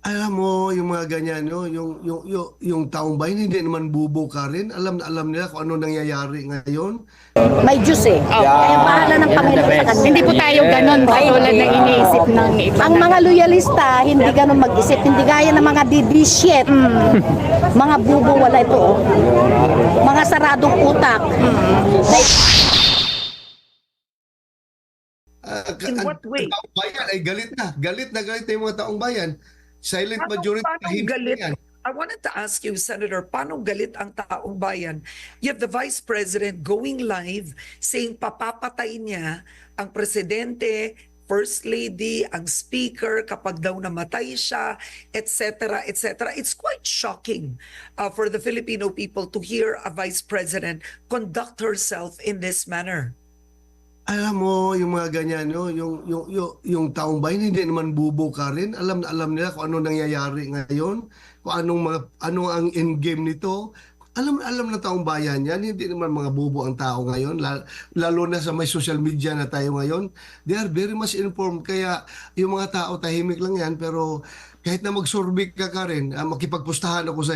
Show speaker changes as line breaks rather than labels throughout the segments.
Alam mo yung mga ganyan, no? Yung taong bayan hindi naman bubo ka rin. Alam na alam nila kung ano nangyayari ngayon.
May Diyos eh. Kaya bahala ng Panginoon sa kanila.
Hindi po tayo ganon katulad ng iniisip ng iba.
Ang mga loyalista, hindi ganun mag-isip. Hindi gaya ng mga DD-shit. Mga bubo, wala ito. Mga saradong utak.
In what way?
Ang taong bayan ay galit na. Galit na yung mga taong bayan. Silent majority
Paano
tahimik
galit?
na yan.
I wanted to ask you, Senator, paano galit ang taong bayan? You have the Vice President going live saying papapatayin niya ang presidente, First Lady, ang Speaker kapag daw namatay siya, etc., etc. It's quite shocking for the Filipino people to hear a Vice President conduct herself in this manner.
Alam mo yung mga ganyan, no? Yung taong bayan hindi naman bubo ka rin. Alam na alam nila kung ano nangyayari ngayon, kung ano ang end game nito. Alam na taong bayan yan, hindi naman mga bubo ang tao ngayon, lalo na sa may social media na tayo ngayon. They are very much informed, kaya yung mga tao tahimik lang yan, pero kahit na magsurvey ka rin, makipagpustahan ako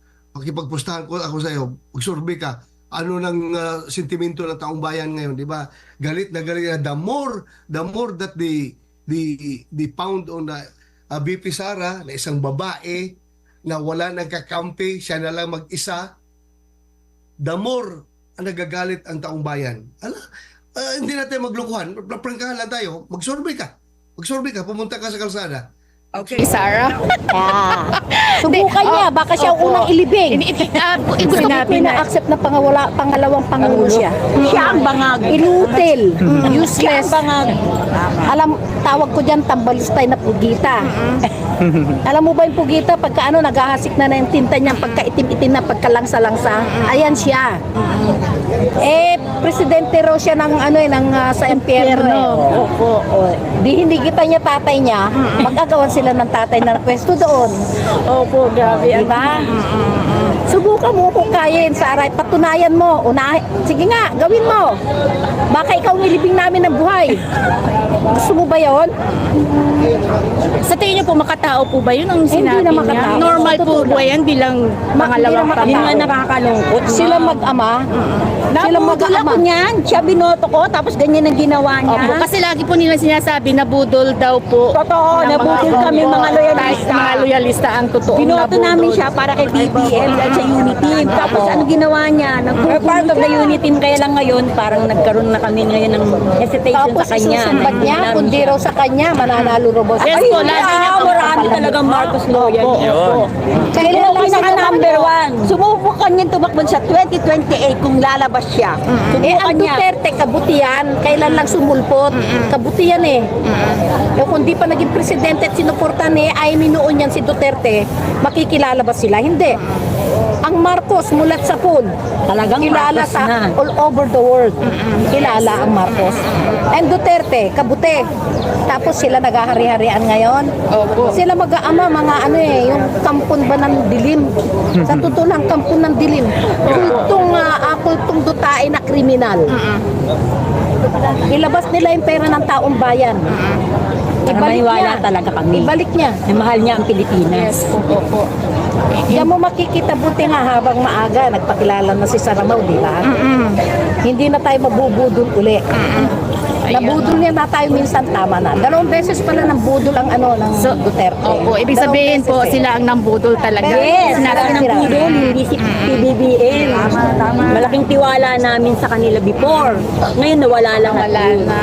sa'yo, magsurvey ka, ano ng sentimento ng taong bayan ngayon, di ba? Galit na the more that they found on the BP Sara na isang babae na wala nang kakampi, siya na lang mag-isa, the more nagagalit ang taong bayan. Hindi natin maglokohan. Prangkahan lang tayo. Mag-survey ka. Pumunta ka sa kalsada.
Okay,
Sarah.
Subukan niya, baka siya ang unang ilibing. Gusto ko
Sinabi na.
pina-accept na pangalawang pangulo siya. Siya ang bangag. Inutil. Useless. Alam, tawag ko dyan, tambalustay na pugita. Alam mo ba yung pugita, pagka naghahasik na yung tinta niya, pagka itim-itim na, pagkalangsa-langsa, ayan siya. Presidente raw siya ng sa impyerno. Hindi kita niya tatay niya, magagawan sila ng tatay na pwesto doon.
Opo, grabe.
Diba? Subukan mo kung kaya yun, Saray. Patunayan mo. Sige nga, gawin mo. Baka ikaw nilibing namin ng buhay. Gusto mo ba yun?
Sa tingin niyo po, makatao po ba yun ang sinabi
na
niya?
makatao.
Normal po
Totoo
ba yan bilang pangalawang
makatao.
Yun nga nakakalungkot.
Sila mag-ama. Sila
Nabudol ako
mag-ama.
niyan. Siya binoto ko, tapos ganyan ang ginawa niya.
Opo, kasi lagi po nila sinasabi na budol daw po.
Totoo,
ng
nabudol kami mga loyalista.
Mga loyalista ang totoo.
Binoto namin siya para kay BBM at sa Unity Team. Tapos ano ginawa niya? Part of the Unity Team, kaya lang ngayon, parang nagkaroon na kami ngayon ng hesitation
Tapos
sa kanya.
isusumbat niya, kundi raw sa kanya, mananalo raw ba?
Yes po, lagi niya po.
Marami talagang Marcos loyal.
Kailan
Kailan
lang
pinaka
siya
number one. Subukan niya tumakbo sa 2028 kung lalabas siya. Subukan
Ang
niya.
Duterte, kabutihan. Kailan lang sumulpot? Kabutihan eh. Kung di pa naging presidente at sinuportan ay minuon yan si Duterte, makikilala ba sila? Hindi. Ang Marcos mulat sa pool.
Talagang
Kilala
Marcos
sa
na.
all over the world. Kilala ang Marcos. And Duterte, kabuti. Tapos sila naghahari-harian ngayon. Sila mag-aama, mga yung kampon ba ng dilim. Sa totoo lang, kampon ng dilim. Kultong dutae na kriminal. Ilabas nila yung pera ng taong bayan.
Maniwala talaga kami.
Ibalik niya.
Na mahal niya ang Pilipinas.
Diyan mo makikita, buti nga habang maaga, nagpakilala na si Saramaw, di ba? Hindi na tayo mabubudol uli. Nabudol niya na tayo minsan, tama na. 2 beses pala nang budol ang ng Duterte.
Opo, ibig
2
sabihin po,
beses eh.
sila ang nambudol talaga.
Yes,
Sinabi
talaga ng
sila.
pudol, hindi si PBBM. Malaking tiwala namin sa kanila before. Ngayon nawala lang.
Wala na.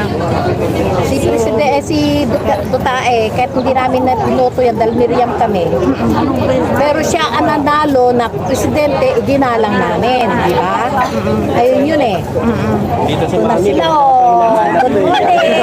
Si Dutae, kahit hindi namin na piloto yan, dahil Miriam kami. Pero siya ang nanalo na presidente, iginalang namin, di ba? Ayun yun eh. Dito sa sila, good morning!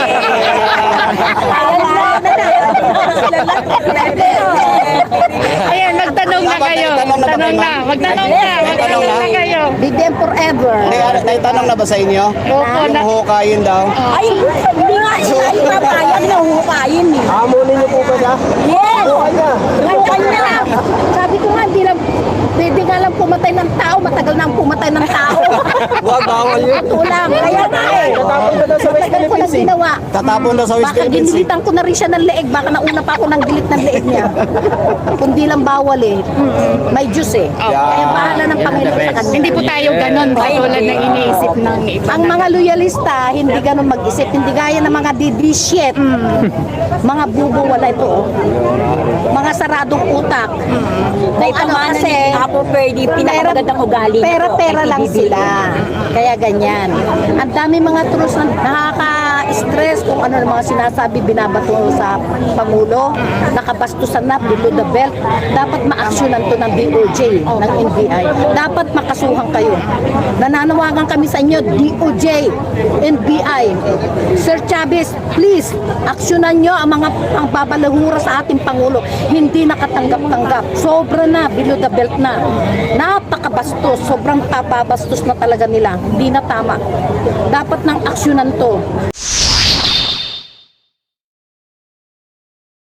Ayan, magtanong na kayo. Magtanong na kayo.
BBM forever.
Tanong na ba sa inyo?
Opo, na.
Huhukayin daw.
Ay, hindi nga siya ipapayan na hukayin eh.
Hamulin niyo po ba siya?
Yes! Hukayin niya.
Sabi ko nga, hindi lang, pwede nga lang pumatay pumatay ng tao, matagal na ang pumatay ng tao.
Wag, bawal yun.
Ito lang, kaya nga eh.
Tatapon ka daw sa West
Matagal ko na
Philippines eh.
ginawa.
Tatapon daw sa West
Baka
Philippines eh.
ginilitan ko na rin siya ng leeg. Baka nauna pa ako ng gilit ng leeg niya. Kundi lang bawal eh. May Diyos eh. Kaya bahala ng Panginoon sa kanya.
Hindi po tayo ganon katulad ng iniisip ng iba.
Ang mga loyalista, hindi ganun mag-isip. Hindi gaya ng mga didishit. Mga bubo, wala ito. Oh. Mga saradong utak. Kung ano kasi,
Apo Ferdy, pinakamagandang ugali.
pera-pera lang sila. Kaya ganyan. Ang dami mga trus na nakaka-stress kung ano ng mga sinasabi binabato sa Pangulo. Nakabastusan na, below the belt. Dapat ma-actionan to ng DOJ, ng NBI. Dapat makasuhan kayo. Nananawagan kami sa inyo, DOJ, NBI. Sir Chavez, please, aksyonan nyo ang mga ang babalahura sa ating Pangulo. Hindi nakatanggap-tanggap. Sobra na, below the belt na. Napakabastos. Sobrang papabastos na talaga nila. Hindi na tama. Dapat nang aksyonan to.